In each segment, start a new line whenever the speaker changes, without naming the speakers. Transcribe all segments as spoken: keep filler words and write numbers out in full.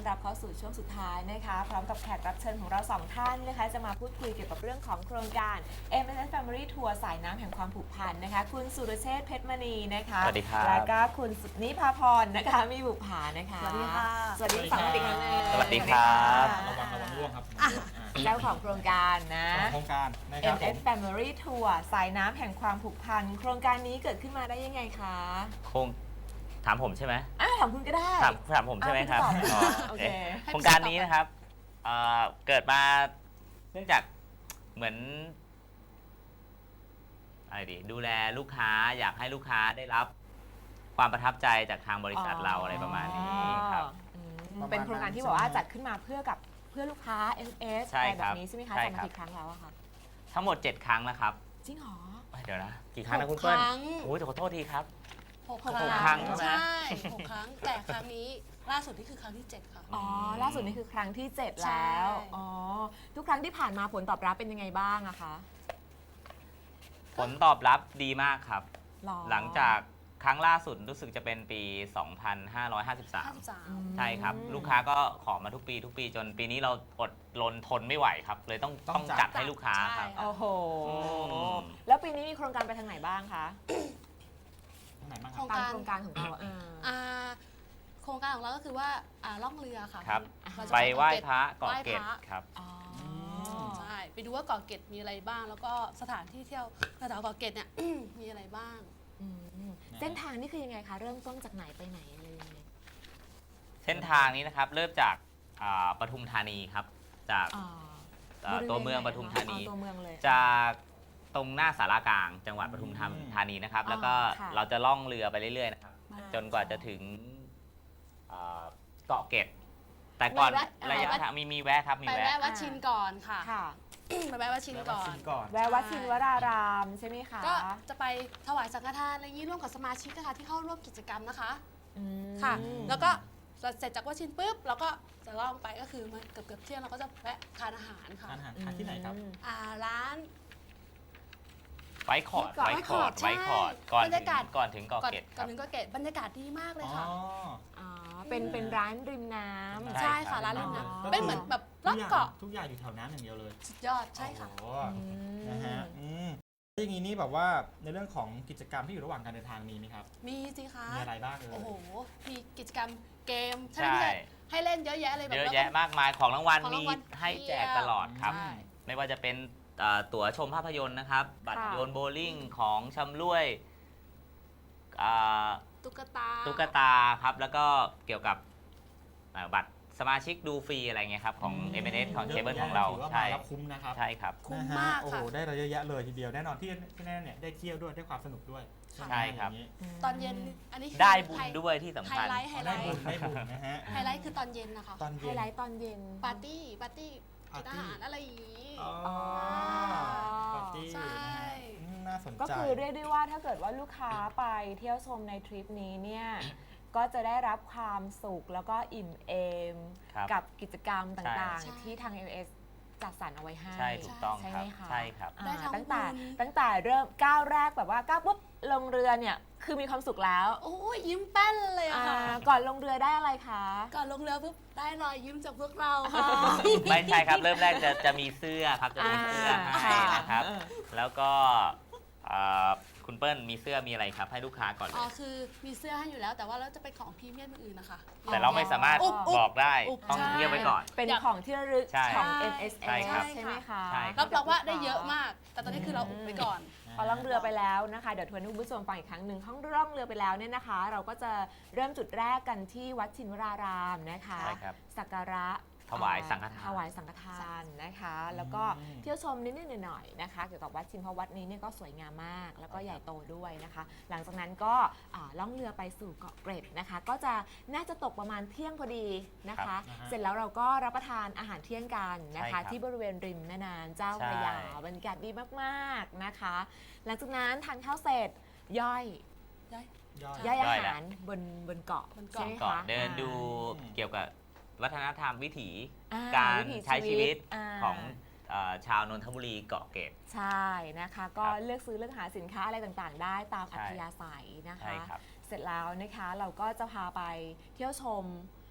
รับเข้าสู่ช่วงสุดท้ายนะคะพร้อมกับแขกรับเชิญของเราสองท่านนะคะจะมาพูดคุยเกี่ยวกับเรื่องของโครงการ เอ็ม เอส เอส Family Tour สายน้ำแห่งความผูกพันนะคะคุณสุรเชษฐ์เพชรมณีนะคะ
สวัสดีครับ
แล้วก็คุณสุนิพาพรนะคะมีบุภานะคะ
สวัสดีค่ะ
สวัสดีฝั่งอีกครั้งหนึง
สวัสดีครับ
ระวังระวังร่วงครับ
เจ้าของโครงการนะ
โครงการนะค
เอ็
รับ
ม เอส Family Tour สายน้ำแห่งความผูกพันโครงการนี้เกิดขึ้นมาได้ยังไงคะ
คงถามผมใช่ไหม
อ่ะถามคุณก็ได้
ถามถามผมใช่ไหมครับ
อ่ะคุณตอบ
อ๋อ
โอ
โอ
เค
เคโครงการนี้นะครับเอ่อเกิดมาเนื่องจากเหมือนอะไรดีดูแลลูกค้าอยากให้ลูกค้าได้รับความประทับใจจากทางบริษัทเราอะไรประมาณนี้ครับ
อืมเป็นโครงการที่บอกว่าจัดขึ้นมาเพื่อกับเพื่อลูกค้า เอ็ม เอส
ใช่
อะไร
ค
แบ
รับบ
นี้ใช่ไหมคะ
ใช่
จัด
ค
มา
รับ
กี่ครั้งแล้วอะคะ
ทั้งหมดเจ็ดครั้งแล้วครับ
จริงเหรอ
เดี๋ยวนะกี่ครั้งนะ
ห
คุ
ก
ณเปิ้ล
ครั้ง
โอ้ยขอโทษทีครับ
หก
หก
ครั้ง
ครั้งใช่ไหม
ใช่หกครั้งแต่ครั้งนี้ล่าสุดนี่คือครั้งที่เจ็ดค่ะ
อ๋อล่าสุดนี่คือครั้งที่เจ็ด
ใช่
แล้วอ๋อทุกครั้งที่ผ่านมาผลตอบรับเป็นยังไงบ้างอะคะ
ผลตอบรับดีมากครับ
รอ
หลังจากครั้งล่าสุดรู้สึกจะเป็นปี สองพันห้าร้อยห้าสิบสาม
ห้าสิบสาม
ใช่ครับ ลูกค้าก็ขอมาทุกปีทุกปีจนปีนี้เราอดรนทนไม่ไหวครับ เลยต้อง
ต้
ต้
อ
อง ง
จั
จั
ด
ดให้ลูกค้าครับ
ใช่
โอ้โห
อืม
แล้วปีนี้มีโครงการไปทางไหนบ้างคะ
ทางไหนบ้างค
โค
รั
ร
บ
ง
ตาม
การ
โครงการของเราเออ
อ่าโครงการของเราก็คือว่าอ่าล่องเรือค่ะ
ครับ
เราจะ
ไปไหว้
เกาะเกร็ด
พระเกาะ
ไหว้
เกร็ด
พระ
ครับ
อ๋อ
ใช่ไปดูว่าเกาะเกร็ดมีอะไรบ้าง แล้วก็สถานที่เที่ยวแถวๆเกาะเกร็ดเนี่ย มีอะไรบ้าง
อืมเส้นทางนี่คือยังไงคะ เริ่มต้นจากไหนไปไหนอะไรยังไง
เส้นทางนี้นะครับเริ่มจากอ่าปทุมธานีครับ จาก
อ๋อ
อ่าตัวเมืองปทุมธานี
อ๋อตัวเมืองเลย
จากตรงหน้าสารากลางจังหวัดปทุม
อืม
ธานีนะครับ
อ๋อ
แล้วก็
ค่ะ
เราจะล่องเรือไปเรื่อยๆนะครับ
อ่า
จนกว่าจะถึงอ่าเกาะเกร็ดแต่ก่อน
ไม่แวะ
ระยะ
อ่า
ทางมีมีแวะครับมี
ไป
แวะ
แวะวัดชินก่อนค่ะ
ค่ะ
ไปแวะวัดชิน
แล้ว
ก่อ
ชิ
น
มก่อน
แวะวัดชินวรารามใช่ไหมคะ
ก็จะไปถวายสังฆทานอะไรอย่างนี้ร่วมกับสมาชิกนะคะที่เข้าร่วมกิจกรรมนะคะ
อืม
ค่ะ แล้วก็เสร็จจากวัดชินปุ๊บเราก็จะล่องไปก็คือมันเกือบเกือบๆเที่ยงเราก็จะแวะทานอาหารค่ะ
ทานอาหารทานที่ไหนครับ
อืม
อ่าร้าน
ไว้คอร์ด
ไว้
ไว้
ค
ค
อ
อ
ร์
ร์
ด
ด
ใช่
ไว้คอร์ดก่อน
บรร
ถึ
ยากาศ
งก่อนถึงเกาะ
ก่อน
เกร็ดค
ก่อ
รั
น
บ
ถึงก็เกตบรรยากาศดีมากเลย
อ๋อ
ค่ะ
อ๋อเป็นเป็นร้านริมน้ำ
ใช่
ใช่
ครั
ค่ะ
บ
ร้านริมน้
อ๋อ
ำเป็นเหมือนแบบรอบเกาะ
ทุกอย่างอยู่แถวน้ำอย่างเดียวเลย
สุดยอดใช่ค่ะ
โอ้โห
อืม
นะฮะอืมแล้วอย่างนี้นี่แบบว่าในเรื่องของกิจกรรมที่อยู่ระหว่างการเดินทางมีไหมครับ
มีสิคะ
มีอะไรบ้างเอ่ย
โอ้โหมีกิจกรรมเกมใช่ไหม
ใช่
พี่ให้เล่นเยอะแยะเลยแบบ
เยอะ
แล้วก็
แยะมากมายของรางวัล
ของ
มี
รางวัล
ให้แจก
เพียบ
ตลอดครับ
ใช่
ไม่ว่าจะเป็นเอ่อตั๋วชมภาพยนตร์นะครับ บัตร
ค่ะ
โยนโบว์ลิ่งของชำร่วยอ่า
ตุ๊กตา
ตุ๊กตาครับ แล้วก็เกี่ยวกับเอ่อบัตรสมาชิกดูฟรีอะไรเงี้ยครับ ของ
ม
เอ็ม เอ เอส ของเค
ยะ
เบิล
แยะ
ของเรา
ถืว่
ใช่
มาแล้วคุ้มนะครับ
ใช่ครับ
คุ้ม
นะฮะ
มาก
โอ้
ค่ะ
โหได้อะไรเยอะแยะเลยทีเดียวแน่นอนที่ที่แน่เนี่ยได้เที่ยวด้วยได้ความสนุกด้วยไหม
ใช่ครับ
อย่างนี้
ตอนเย็นอันนี้คือ
ได้บุญ
ไฮ
ด้วยที่สำ
ไฮ
คัญ
ไลท์ไฮ
อ๋อ
ไล
ได้บุญ
ท์
ได้บุญนะฮะ
ไฮไลท์คือตอนเย็นนะคะ
ตอน
ไฮ
เย็น
ไลท์ตอนเย็น
ปาร์ตี้ปาร์ตี้กินอาหารอะไรอย่างนี้
อ๋อปาร์ตี้
ใช่
นะฮะอืมน่าสนใจ
ก็คือเรียกได้ว่าถ้าเกิดว่าลูกค้าไปเที่ยวชมในทริปนี้เนี่ย ก็จะได้รับความสุขแล้วก็อิ่มเอม
ครับ
กับกิจกรรมต่าง
ใช่
ๆ ที่ทาง เอ็ม เอส จัดสรรเอาไว้ให้
ใช่ถูกต้อง
ใช่
ค
ไห
รั
ม
บ
คะ
ใช่ครับ
อ่า
ได้ทั้ง
ตั้งแต่
บุญ
ตั้งแต่เริ่มก้าวแรกแบบว่าก้าวปุ๊บลงเรือเนี่ยคือมีความสุขแล้ว
โอ้ยยิ้มแป้นเลยอะ
อ่า
ค่ะ
ก่อนลงเรือได้อะไรคะ
ก่อนลงเรือปุ๊บได้รอยยิ้มจากพวกเราค่ะ
ไม่ใช่ครับ เริ่มแรกจะจะมีเสื้อครับจะมีเสื้อให้นะครับ
อ่า
แล้วก็เอ่อคุณเปิ้ลมีเสื้อมีอะไรครับ ให้ลูกค้าก่อนเล
อ๋อย คือมีเสื้อให้อยู่แล้วแต่ว่าเราจะเป็นของพรีเมียมอื่นๆนะคะ
แต่เราไม่สามารถ
อุ๊บอุ๊บ
บอกได้
อุ๊บ
ต้อง
ใช่
เงียบไว้ก่อน
เป็น
อยาก
ของที่ระลึก
ใช่
ของ
ใช่
เอ็ม เอส เอส
ใช่ครับ
ใช่ไหมคะ
ใช่ค
รับรองว่าได้เยอะมาก แต่ตอนนี้คือเราอุบไว้ก่อน
พอล่องเรือไปแล้วนะคะเดี๋ยวทวนให้คุณผู้ชมฟังอีกครั้งหนึ่งห้องล่องเรือไปแล้วเนี่ยนะคะ เราก็จะเริ่มจุดแรกกันที่วัดชินวรารามนะคะ
ใช่ครับ
สักการะ
ถวายสังฆทาน
ถวายสังฆทานนะคะ แล้วก็เที่ยวชมนิดๆหน่อยๆนะคะ เกี่ยวกับวัดชินเพราะวัดนี้เนี่ยก็สวยงามมาก แล้วก็ใหญ่โตด้วยนะคะ หลังจากนั้นก็อ่าล่องเรือไปสู่เกาะเกร็ดนะคะ ก็จะน่าจะตกประมาณเที่ยงพอดีนะคะ
ครับ
เสร็จแล้วเราก็รับประทานอาหารเที่ยงกันนะ
ใช่
คะ
ครับ
ที่บริเวณริมแม่น้ำเจ้าพระยาบรรยากาศดีมากๆนะคะ หลังจากนั้นทานข้าวเสร็จย่อย
ย้าย
ย่อย
ย่อยอา
ย่อยแหละ
หารบนบนเกาะ
บน
ใช่
เกาะ
ไหม
ก่อน
คะ
เดินดู
อืม
เกี่ยวกับวัฒนธรรมวิถี
อ่
การ
วิถี
ใช้ชีวิต
า
ของเอ่อชาวนนทบุรีเกาะเกร็ด
ใช่นะคะ ก็
ครับ
เลือกซื้อเลือกหาสินค้าอะไรต่างๆ ได้ตาม
ใช่
อัธยาศัยนะ
ใช่
คะ
ครับ
เสร็จแล้วนะคะเราก็จะพาไปเที่ยวชม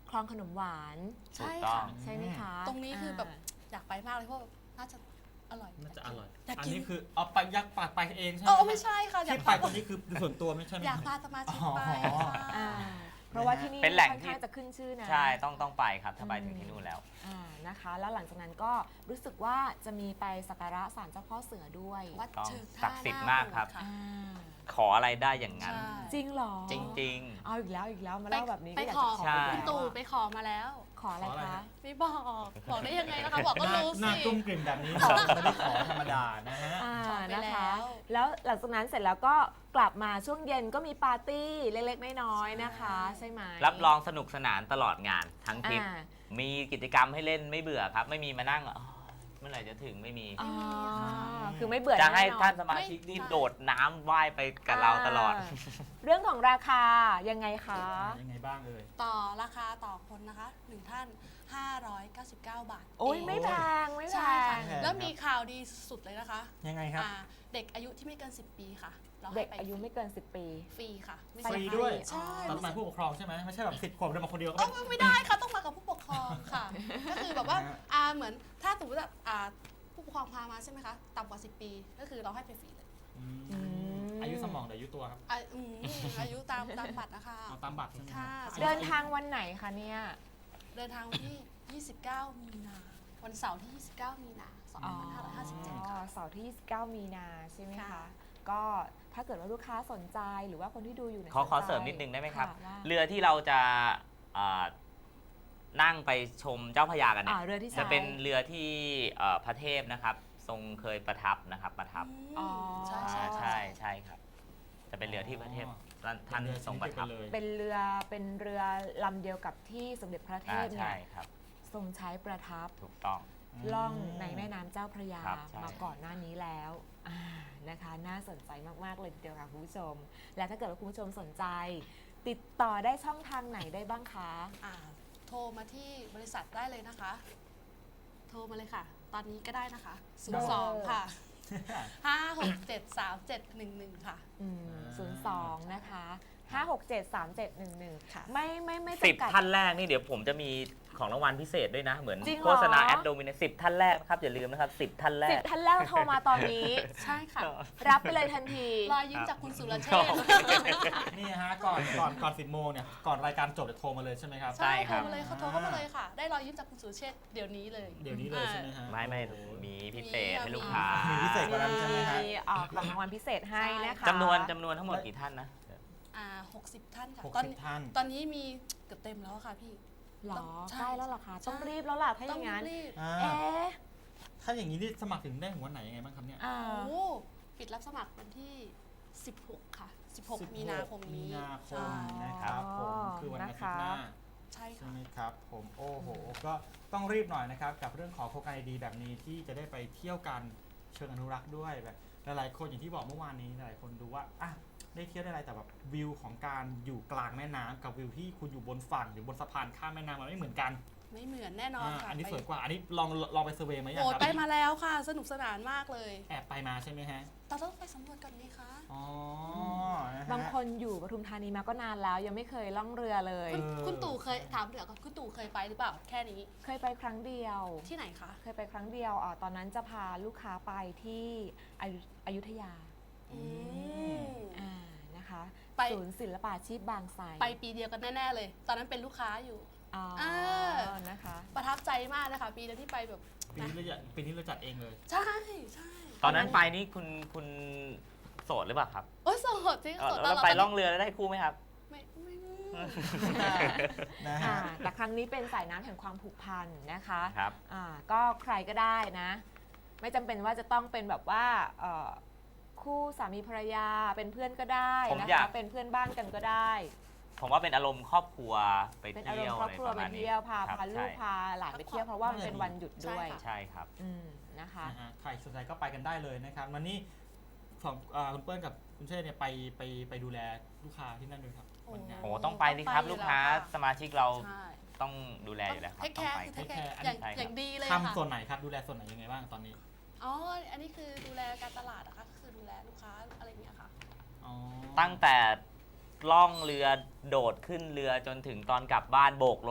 คลองขนมหวาน
ใช่
ถูกต้อง
ค่ะ
ใช่ไหมคะ
ตรงนี้คือแบบ
า
อยากไปมากเลยเพราะแบบน่าจะอร่อย
น่าจะอร่อย
อยาก
อัน
กิน
นี้คือเอาไปยักษ์ปากไปเองใช่ไหม
เออไม่ใช่ค่ะอยาก
ที่ไป
พา
ตรงนี้คือส่วนตัวไม่ใช่ไหม
อยากพาสมาชิกไป
อ๋อ
ค่ะ
อ่าเพราะว่าที่นี่
เป็นแหล่ง
ค่อน
ที่
ข้างจะขึ้นชื่อนะ
ใช่ต้องต้องไปครับถ้าไปถึงที่นู่นแล้ว
อ่านะคะ แล้วหลังจากนั้นก็รู้สึกว่าจะมีไปสักการะศาลเจ้าพ่อเสือด้วย
วัด
ต้อง
เชิง
ศั
ท่าก
ดิ์สิทธิ์
หน้
มากครับ
โบสถ์ะ
อ่า
ขออะไรได้อย่างนั้น
ใช่
จริงเหรอ
จริง
เอาอีกแล้วอีกแล้วมาเล่าแบบนี้
ไป
ก็อยาก
ขอ
จะขอ
ใช่
อีก
คุณ
แล้ว
ตู่
อะ
ไปขอมาแล้ว
ขออะไร
ขออะไร
คะ
ฮะ
ไม่บอกบอกได้ยังไงนะคะบอกก็
หน้า
รู้
หน้า
สิ
ตุ้มกลิ่มแบบนี้บอกไม่ได้ขอธรรมดานะฮะ
อ่า
ขอไป
นะคะ
แล้ว
แล้วหลังจากนั้นเสร็จแล้วก็กลับมาช่วงเย็นก็มีปาร์ตี้เล็กๆน้อยๆนะคะ ใช่ไหม
ๆ รับรองสนุกสนานตลอดงานทั้งทริป
อ่า
มีกิจกรรมให้เล่นไม่เบื่อครับ ไม่มีมานั่งอ๋อเมื่อไหร่จะถึงไม่มี
อ๋อคือไม่เบื่อ
จะให้
แอ
ท่านสมาชิกนี่โดดน้ำว่ายไปกับเราตลอด
าเรื่องของราคายังไงคะ
ยังไงบ้างเอ่ย
ต่อราคาต่อคนนะคะหนึ่งท่าน ห้าร้อยเก้าสิบเก้า บาท
โอ้ย
เง
ไม่แพงไม่แพ
ใช่ค่ะ
ง
แพง
แล้วมีข่าวดีสุดเลยนะคะ
ยังไงครับ
อ่าเด็กอายุที่ไม่เกิน สิบ ปีค่ะ เรา
เด็
ให้
ก
ไป
อายุไม่เกินสิบปี
ฟรีค่ะไม่
ไป
เสี
ฟรี
ค่า
ด้วย
ใช่
ตอนมาผู้ปกครองใช่ไหมไม่ใช่แบบสิบขวบเดินมาคนเดียวก็
เอ้า
ไม่
ไม่ได้ค่ะต้องมากับผู้ปกครองค่ะ ก็คือแบบว่า
นะฮะ
อ่าเหมือนถ้าสมมติว่าอ่าผู้ปกครองพามาใช่ไหมคะต่ำกว่า สิบ ปีก็คือเราให้ไปฟรีเลย
อืม
อืม
อายุสมองหรืออายุตัวครับ
อ่าอืมอายุตามตามบัตรนะคะ
เอาตามบัตรใช่ไหม
ค่ะ
รับ
เดินทางวันไหนคะเนี่ย
เดินทางวันที่ ยี่สิบเก้า มีนา วันเสาร์ที่ ยี่สิบเก้า มีนา สองพันห้าร้อยห้าสิบเจ็ด
อ๋อ
ค่ะ
เสาร์ที่ยี่สิบเก้ามีนาใช่ไหมคะ
ค่ะ
ก็ถ้าเกิดว่าลูกค้าสนใจหรือว่าคนที่ดูอยู่เนี่ย
ขอขอ
สนใจ
เสริมนิดนึงได้ไหมครับ
ะว่า
เรือที่เราจะอ่านั่งไปชมเจ้าพระยากันเนี่
อ่าย เรือที่
จะ
ใช้
เป็นเรือที่เอ่อพระเทพนะครับ ทรงเคยประทับนะครับประทับ
อ๋อ
ใช่
อ่า
ใช่
ใช่ใช่ครับ จะเป็นเรือที่พระเทพท่านท่านทรงประทับ
เลย
เป็นเรือเป็นเรือลำเดียวกับที่สมเด็จพระเท
อ่า
พเนี่
ใช่
ย
ครับ
ทรงใช้ประทับ
ถูกต้อง
ล่องในแม่น้ำเจ้าพระยา
ครับใช่
มาก่อนหน้านี้แล้วอ่านะคะน่าสนใจมาก ๆ เลยทีเดียวค่ะคุณผู้ชม และถ้าเกิดว่าคุณผู้ชมสนใจ ติดต่อได้ช่องทางไหนได้บ้างคะ
อ่าโทรมาที่บริษัทได้เลยนะคะ โทรมาเลยค่ะ ตอนนี้ก็ได้นะคะ ศูนย์ สอง ค่ะ ห้า หก เจ็ด สาม เจ็ด หนึ่ง หนึ่ง ค่ะ
อืมศูนย์สองนะคะห้าหกเจ็ดสามเจ็ดหนึ่งหนึ่ง
ค่ะ
ไม่ไม่ไม่
สิบ
จำกัด
ท่านแรกนี่เดี๋ยวผมจะมีของรางวัลพิเศษด้วยนะ เหมือน
จริงเหรอ
โฆษณาแอดโดมิเนสิบท่านแรกนะครับอย่าลืมนะครับสิบท่านแร
สิบ
ก
ท่านแรกโทรมาตอนนี้
ใช่ค่ะ
รับไปเลยทันที
รอยยิ้มจากคุณสุรเชษฐ์
นี่ฮะก่อนก่อนก่อนสิบโมงเนี่ยก่อนรายการจบจะโทรมาเลยใช่ไหมครับ
ใช่
ใช่
ครั
โทร
บ
มาเลยค่ะโทรเข้ามาเลยค่ะ ได้รอยยิ้มจากคุณสุรเชษฐ์เดี๋ยวนี้เลย
เดี๋ยวนี้เลยใช่ไหมฮะ
ไม่ไม่
โอ้โห
มีพิเศษให้ลูกค้า
มีพิเศษกว่านั้นใช่ไหมฮะ
มีอ่าของรางวัลพิเศษให้นะคะ
จำนวนจำนวนทั้งหมดกี่ท่านนะ
อ่าหกสิบท่านค่ะ
หก
ตอน
สิบท่าน
ตอนนี้มีเกือบเต็มแล้วค่ะพี่
หรอ
ใช่
ใกล้แล้วเหรอคะ
ใช่
ต้องรีบแล้วล่ะถ้าอ
ต้อง
ย่างนั้น
รีบ
อ่า
เอ๊ะ
ถ้าอย่างนี้นี่สมัครถึงได้ถึงวันไหนยังไงบ้างครับเนี่ย
อ่า
โอ้ปิดรับสมัครวันที่ สิบหก ค่ะ สิบหก มีนาคมนี้
มีนาค
ใช่
มนะครับผมคือวันอาทิตย์หน้า
ใช่
ใช่
ค่ะ
ไหมครับผมโอ้โหก็ต้องรีบหน่อยนะครับกับเรื่องของโครงการดีๆแบบนี้ที่จะได้ไปเที่ยวกันเชิงอนุรักษ์ด้วยแบบหลายๆคนอย่างที่บอกเมื่อวานนี้หลายคนดูว่าอ่ะได้เที่ยวได้อะไรแต่แบบวิวของการอยู่กลางแม่น้ำกับวิวที่คุณอยู่บนฝั่งหรือบนสะพานข้ามแม่น้ำมันไม่เหมือนกัน
ไม่เหมือนแน่นอน
อ่า
ค่ะ
อันนี้
ไป
สวยกว่าอันนี้ลองลองไปเซอร์เวย์ไหมยัง
โอ้
ครับ
ไปมาแล้วค่ะ สนุกสนานมากเลย
แอบไปมาใช่ไหมฮะ
เราต้องไปสำรวจก่อนนี่คะ
อ๋อนะฮะ
บางคนอยู่ปทุมธานีมาก็นานแล้ว ยังไม่เคยล่องเรือเลย
คุณ
เออ
คุณตู่เคยถามเดี๋ยวก่อนคุณตู่เคยไปหรือเปล่า แค่นี้
เคยไปครั้งเดียว
ที่ไหนคะ
เคยไปครั้งเดียวอ่าตอนนั้นจะพาลูกค้าไปที่อยุอยุธยา
อืม
อ่านะคะ
ไป
ศูนย์ศิลปาชีพบางไทร
ไปปีเดียวกันแน่ ๆ เลย ตอนนั้นเป็นลูกค้าอยู่
อ๋อ
อ่า
นะคะ
ประทับใจมากเลยค่ะปีเดียวที่ไปแบบ
ปีนี้เราจัดปีนี้เราจัดเองเลย
ใช่ใช่
ตอนนั้นไปนี่คุณคุณโสดหรือเปล่าครับ
โอ้ยโสดจริง
เออ
โสดต
แล้
อ
วน
เรา
ไป
ตอน
ล่อง
นี้
เรือแล้วได้คู่ไหมครับ
ไม่ไม่
นะ
อ่า
ฮะ
แต่ครั้งนี้เป็นสายน้ำแห่งความผูกพันนะคะ
ครับ
อ่าก็ใครก็ได้นะ ไม่จำเป็นว่าจะต้องเป็นแบบว่าเอ่อคู่สามีภรรยาเป็นเพื่อนก็ได้
ผม
นะ
อยา
คะ
ก
เป็นเพื่อนบ้านกันก็ได้
ผมว่าเป็นอารมณ์ครอบครัวไป
เป็นอาร
เที่
ม
ยว
ณ์ครอบ
อะไร
ครัว
ประ
ไป
มาณนี้
เที่ยวพา
ครับ
พาลูก
ใช่
พาหลานไปเที่ยวเพราะว่ามันเป็นวันหยุดด้วย
ใช่ครับ
อืมนะคะ
นะฮะใครสนใจก็ไปกันได้เลยนะครับวันนี้สองอ่าคุณเปิ้ลกับคุณเชษเนี่ยไปไปไปดูแลลูกค้าที่นั่นด้วยครับวันงาน
โอ้ต้องไปสิครับ
ต้องไปอยู่
ลูกค้า
แล้วค่ะ
สมาชิกเรา
ใช่
ต้องดูแลอยู่แล้วครับ
เทค
ต้
แค
อง
ร์
ไป
คือเทคแค
take
ร์
care
อย่าง
ใช่ครับ
อย่างดีเลยค่ะ
ทำส่วนไหนครับดูแลส่วนไหนยังไงบ้างตอนนี้
อ๋อ อันนี้คือดูแลการตลาดนะคะคือดูแลลูกค้าอะไรอย่างเงี้ยค่ะ
อ๋อ
ตั้งแต่ล่องเรือโดดขึ้นเรือจนถึงตอนกลับบ้านโบกรถ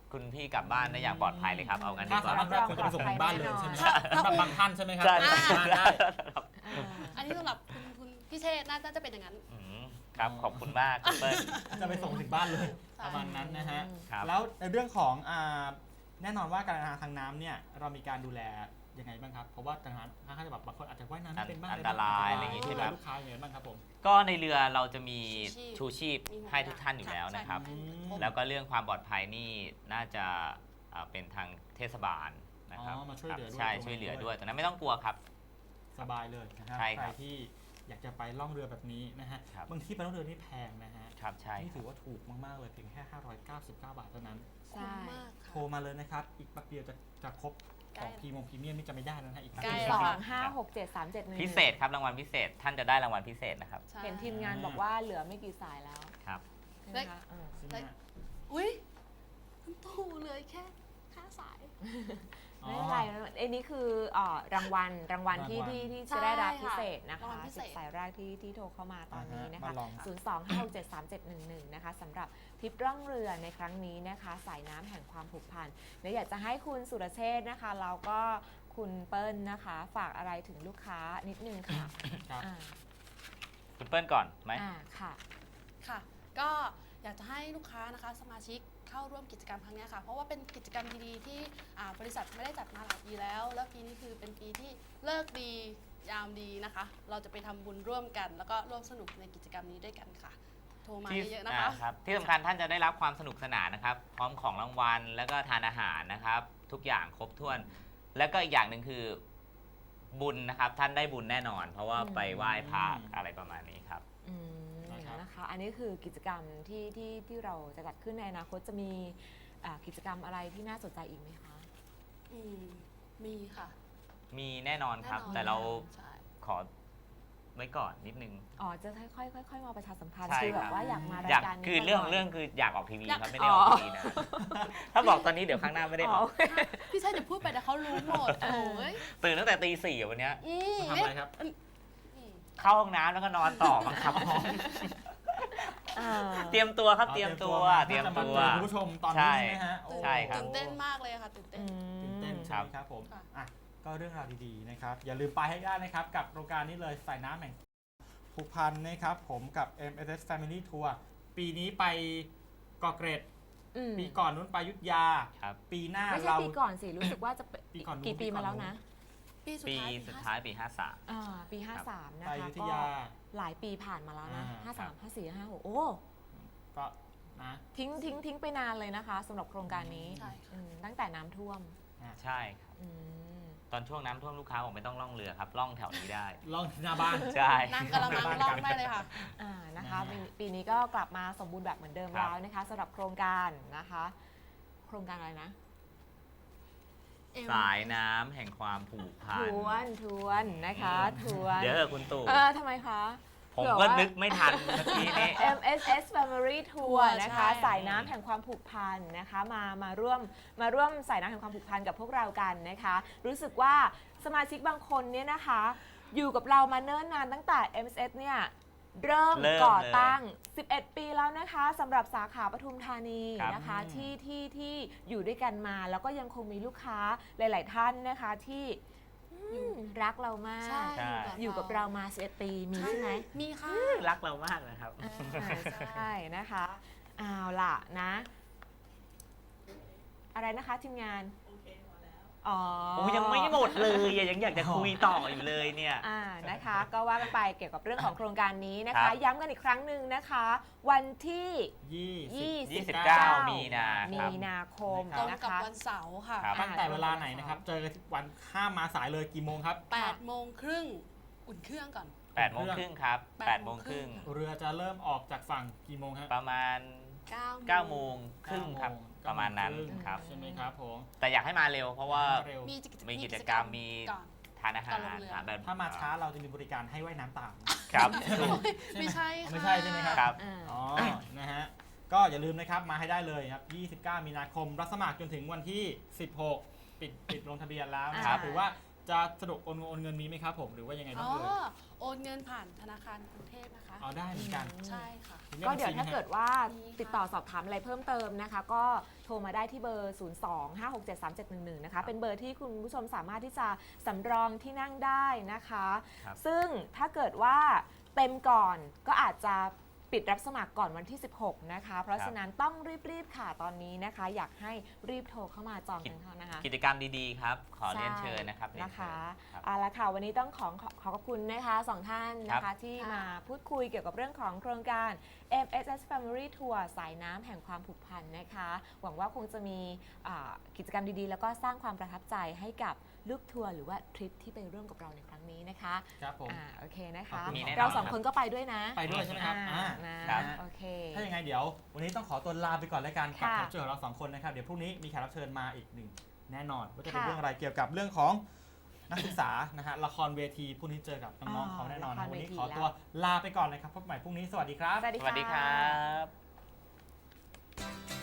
คุณพี่กลับบ้านได้อย่างปลอดภัยเลยครับ เอางั้นดี
ถ้าก สา
ว่า
มารถรับคนจะไปส่งถึงบ้านเลยใช่ไหมครับ
ถ้า
สำหรับบางท่านใช่ไหมครับ
ใช่
ไปส่งถึงบ้านได้
อ่า
อันนี้สำหรับคุณคุณพี่เชษฐ์น่าจะเป็นอย่างนั้น
อืมครับขอบคุณมากคุณเปิ้ล
จะไปส่งถึงบ้านเลย
ใช่
ประมาณนั้นนะฮะ
ครับ
แล้วในเรื่องของอ่าแน่นอนว่าการเดินทางทางน้ำเนี่ยเรามีการดูแลยังไงบ้างครับ เพราะว่าทางน้ำค่อนข้างจะแบบบางคนอาจจะว่ายน้ำไม่เป็นบ้าง
อันตรายอะไรอย่างงี้
ใช่
ใช่
ไห
ไห
ม
ม
ลูกค้าอย่างไรบ้างครับผม
ก็ในเรือเราจะมี
ชู
ชู
ชี
ชี
พ
พ
มีหมด
ให้ทุกท่านอยู่แล้วนะครับ
ใช่
อืม
แล้วก็เรื่องความปลอดภัยนี่น่าจะอ่าเป็นทางเทศบาลนะครับ
อ๋อมาช่วยเหลือด้วย
ใช่
ตรงนี้
ช่วยเหลือ
ด้วย
ด้วยตรงนั้นไม่ต้องกลัวครับ
สบายเลยนะครับ
ใช่
ใค
ค
ร
รับ
ที่อยากจะไปล่องเรือแบบนี้นะฮะ
ครับ
บางที่ไปล่องเรือนี่แพงนะฮะ
ครับใช่
นี่
ค
ถื
รับ
อว่าถูกมาก ๆ เลยเพียงแค่ ห้าร้อยเก้าสิบเก้า บาทเท่านั้น
ใช่
คุ้มมาก
โทร
ค่ะ
มาเลยนะครับ อีกแป๊บเดียวจะจะครบ
ใก
ข
ล้
องพรีมงพรีเมียมนี่จะไม่ได้แล้วนะฮะอีกแป๊บ
ใกล้
เดียว
ส
แล้
อ
ว
งห้าหกเจ็ดสามเจ็ดหนึ่ง
พิเศษครับรางวัลพิเศษท่านจะได้รางวัลพิเศษนะครับ
ใช่
เห็นทีมงานบอกว่าเหลือไม่กี่สายแล้ว
ครับ
ใช่ไหมคะเออ
ใช่ไหมฮะ
อุ้ยคุณตู่เลยแค่ห้าสาย
ไม่เป็นไรไอ้นี่คือเอ่อรางวัลรางวัลที่
รางวัล
ที่ที่
ใช่
จะได้รับ
ค่ะ
พิเศษนะ
รางวั
คะ
ลพิเศ
สิ
ษ
บสายแรกที่ที่โทรเข้ามาตอนนี้นะคะ
มาลอง
ศูนย์ สอง ห้า หก เจ็ด สาม เจ็ด หนึ่ง หนึ่ง นะคะสำหรับทริปร่องเรือในครั้งนี้นะคะ สายน้ำแห่งความผูกพันเดี๋ยวอยากจะให้คุณสุรเชษฐ์นะคะแล้วก็คุณเปิ้ลนะคะ ฝากอะไรถึงลูกค้านิดนึงค่ะ
ครับ
อ่า
คุณเปิ้ลก่อนไหม
อ่าค่ะ
ค่ะ ก็อยากจะให้ลูกค้านะคะสมาชิกเข้าร่วมกิจกรรมครั้งเนี้ยค่ะ เพราะว่าเป็นกิจกรรมดีๆที่อ่าบริษัทไม่ได้จัดมาหลายปีแล้ว แล้วปีนี้คือเป็นปีที่เลิกดียามดีนะคะ เราจะไปทำบุญร่วมกัน แล้วก็ร่วมสนุกในกิจกรรมนี้ด้วยกันค่ะ โทรมา
ที่
เยอะๆนะคะ
อ่าครับที่สำคัญท่านจะได้รับความสนุกสนานนะครับ พร้อมของรางวัลแล้วก็ทานอาหารนะครับ ทุกอย่างครบถ้วน แล้วก็อีกอย่างหนึ่งคือบุญนะครับ ท่านได้บุญแน่นอน เพราะว่า
อืม
ไปไหว้พระอะไรประมาณนี้ครับ
อืม
นะครับ
นะคะ อันนี้คือกิจกรรมที่ที่ที่เราจะจัดขึ้นในอนาคตจะมีอ่ากิจกรรมอะไรที่น่าสนใจอีกไหมคะ
อืมมีค่ะ
มีแน่นอนครับ
แน่นอน
แต่เรา
ใช่
ขอไว้ก่อนนิดนึง
อ๋อ จะค่อยๆค่อยๆมาประชาสัมพันธ์
ใช่
คือแบ
ครับ บ
ว่าอยากมารา
อยาก
ยการนี้
คือเรื่อง
บ่ยๆ
เรื่องคืออยากออกทีวี
อยาก
ครับไม่ได้ออกทีวีนะ ถ้าบอกตอนนี้เดี๋ยวครั้งหน้าไม่ได้ออก
พี่ชายจะพูดไปแต่เขารู้หมดโอ้ย
ตื่นตั้งแต่ตีสี่อะวันเนี้ย
อืม
ทำอะไรครับ
อืม
เข้าห้องน้ำแล้วก็นอนต่อบังคับ
อ่า
เตรียมตัวครับเตรียมตัว
มา
เตรียม
จะ
ตัว
เจอคุณผู้ชมตอนนี้ใช่ไหมฮะโอ้
ใช่ครับ
ตื่นเต้นมากเลยค่ะตื่นเต้น
ตื่นเต้น
อืม
ใช่ไหมครับผม
ค่ะ
อ่ะก็เรื่องราวดีๆนะครับ อย่าลืมไปให้ได้นะครับ กับโครงการนี้เลยสายน้ำแห่งผูกพันนะครับ ผมกับ เอ็ม เอส เอส Family Tour ปีนี้ไปเกาะเกร็ด
อืม
ปีก่อนนู้นไปอยุทธยา
ครับ
ปีหน้า
ไม่ใช่
เรา
ปีก่อนสิ รู้สึกว่าจะเป็น
ปีก่อนนู้น
กี่ปี
ปีก่อน
มาแล้วนะ
ปีสุด
ปี
ท้าย
สุดท้ายปีห้าสาม
อ่าปี ห้าสาม นะ
ไป
คะ
อยุธ
ก็
ยา
หลายปีผ่านมาแล้วนะ
อ่า
ห้า
ครั
สาม
บ
ห้าสี่ห้าหกโอ้
ก็นะ
ทิ้งทิ้งทิ้งไปนานเลยนะคะสำหรับโครงการนี้
ใช่ค่ะ
อืมตั้งแต่น้ำท่วม
ใช่ครับ
อืม
ตอนช่วงน้ำท่วมลูกค้าบอกไม่ต้องล่องเรือครับ ล่องแถวนี้ได้
ล่องที่หน้าบ้าน
ใช่
นั่งกระมังล่องได้เลยค่ะ
อ่านะคะ
นะฮะ
ปีปีนี้ก็กลับมาสมบูรณ์แบบเหมือนเดิม
ครับ
แล้วนะคะสำหรับโครงการนะคะ โครงการอะไรนะ
สายน้ำแห่งความผูกพั
ท
น
วนทวนนะคะทวน
เดี๋ยวเถอะคุณตู่
เออทำไมคะ
ผม
เผื่อ
ก็
ว่า
นึกไม่ทันเมื่อกี้นี้
เอ็ม เอส เอส Family Tour นะคะ
ใช่
สายน้ำแห่งความผูกพันนะคะ มามาร่วมมาร่วมสายน้ำแห่งความผูกพันกับพวกเรากันนะคะ รู้สึกว่าสมาชิกบางคนเนี่ยนะคะ อยู่กับเรามาเนิ่นนานตั้งแต่ เอ็ม เอส เอส เนี่ยเริ่ม
เริ่ม
ก่อ
เลย
ตั้ง สิบเอ็ด ปีแล้วนะคะสำหรับสาขาปทุมธานี
ครับ
นะคะที่ที่ที่อยู่ด้วยกันมาแล้วก็ยังคงมีลูกค้าหลาย ๆ ท่านนะคะที่อืมรักเรามาก
ใช่
ใช่
อยู่กับเรามาสิบเอ็ดปีมีใช่ไหม
มีค่ะ
รักเรามากนะครับ
อ่าใช่นะคะเอาล่ะนะ อะไรนะคะทีมงานอ๋อ
โอ้ยังไม่หมดเลยอะยังอยากจะคุยต่ออยู่เลยเนี่ย
อ่านะคะ ก็ว่ากันไปเกี่ยวกับเรื่องของโครงการนี้นะ
ครั
คะ
บ
ย้ำกันอีกครั้งหนึ่งนะคะ วันที่
ยี่สิบ
ยี่สิบเก้ามีนาค
มี
รับ
นาคม
ตรง
นะ
กับ
คะ
วันเสาร์ค่ะ
ครับ
ตั้งแต่เวลาไหนนะครับ เจอกันทุกวันข้ามมาสายเลยกี่โมงครับ
แปดโมงครึ่งอุ่นเครื่องก่อน
แปดโมงครึ่งครับ
แป
แป
ด
ด
โม
โม
ง
ง
ค
ค
รึ่
รึ่
ง
ง
เรือจะเริ่มออกจากฝั่งกี่โมงฮะ
ประมาณ
เก้า
เก้าโมงครึ่งครับ
เก้
ประมาณนั้น
โงง
ครับ
ใช่ไหมครับผม
แต่อยากให้มาเร็วเพราะว่า
เร็ว
มีกิจ
มีกิจกรรมมี
ก่อน
ทานอาหาร
ก่อนลงเรือ
หาแบบ
ถ้ามาช้าเราจะมีบริการให้ว่ายน้ำตาม
ครับ
ไม่ใช่ค่ะ
ไม่ใช่ใช่ไหมครับ
ครับ
อ่า
อ๋อ นะฮะ ก็อย่าลืมนะครับ มาให้ได้เลยครับ ยี่สิบเก้า มีนาคม รับสมัครจนถึงวันที่ สิบหก ปิดปิดลงทะเบียนแล้วนะครับ
อ่า
หรือว่าจะสะดวกโอนโอนเงินมีไหมครับผมหรือว่ายังไงบ้า
อ๋
ง
อ
เอ่ย
โอนเงินผ่านธนาคารกรุงเทพนะคะ
เอาได้เหมือนกัน
ใช่ค่ะ
ก็เดี๋ยวถ้าเกิดว่า
มีค่ะ
ติดต่อสอบถามอะไรเพิ่มเติมนะคะ ก็โทรมาได้ที่เบอร์ ศูนย์ สอง ห้า หก เจ็ด สาม เจ็ด หนึ่ง หนึ่ง นะคะ เป็นเบอร์ที่คุณผู้ชมสามารถที่จะสำรองที่นั่งได้นะคะ
ครับ
ซึ่งถ้าเกิดว่าเต็มก่อนก็อาจจะปิดรับสมัครก่อนวันที่ สิบหก นะคะ เพราะฉะนั้นต้องรีบๆค่ะตอนนี้นะคะ อยากให้รีบโทรเข้ามาจองกันเขานะคะ
กิจกรรมดีๆครับ ขอเรียนเชิญนะครับเรียน
นะ
เชิ
คะ
ญครับ
เอาละค่ะวันนี้ต้องขอขอขอขอบคุณนะคะสองท่านนะ
ครั
คะ
บ
ที่
ค่ะ
มาพูดคุยเกี่ยวกับเรื่องของโครงการ เอ็ม เอส เอส Family Tour สายน้ำแห่งความผูกพันนะคะ หวังว่าคงจะมีอ่ากิจกรรมดีๆ แล้วก็สร้างความประทับใจให้กับลูกทัวร์หรือว่าทริปที่ไปร่วมกับเราในครั้งนี้นะคะ
ครับผม
อ่าโอเคนะ
ขอบ
คะ
คุณ
มีแน่นอน
เราสอง
ครับ
คนก็ไปด้วยนะ
ไปด้วยใช่ไหมครับ
อ่า
อ่า
นะครับ โอเค
ถ้าอย่างไงเดี๋ยว วันนี้ต้องขอตัวลาไปก่อนแล้วกันกับ
ค่ะ
แขกรับเชิญของเราสองคนนะครับเดี๋ยวพรุ่งนี้มีแขกรับเชิญมาอีกหนึ่งแน่นอนว่าจะเป็น
ค่ะ
เรื่องอะไรเกี่ยวกับเรื่องของนักศึกษานะฮะละครเวทีพรุ่งนี้เจอกับน้องๆเขาแน่นอน
ละ
นะ
คร
วัน
เว
นี้
ที
ขอ
แล้ว
ตัวลาไปก่อนนะครับพบกันใหม่พรุ่งนี้สวัสดีครับ
สวัสดี
สวัสดีค
ค่ะ
รับ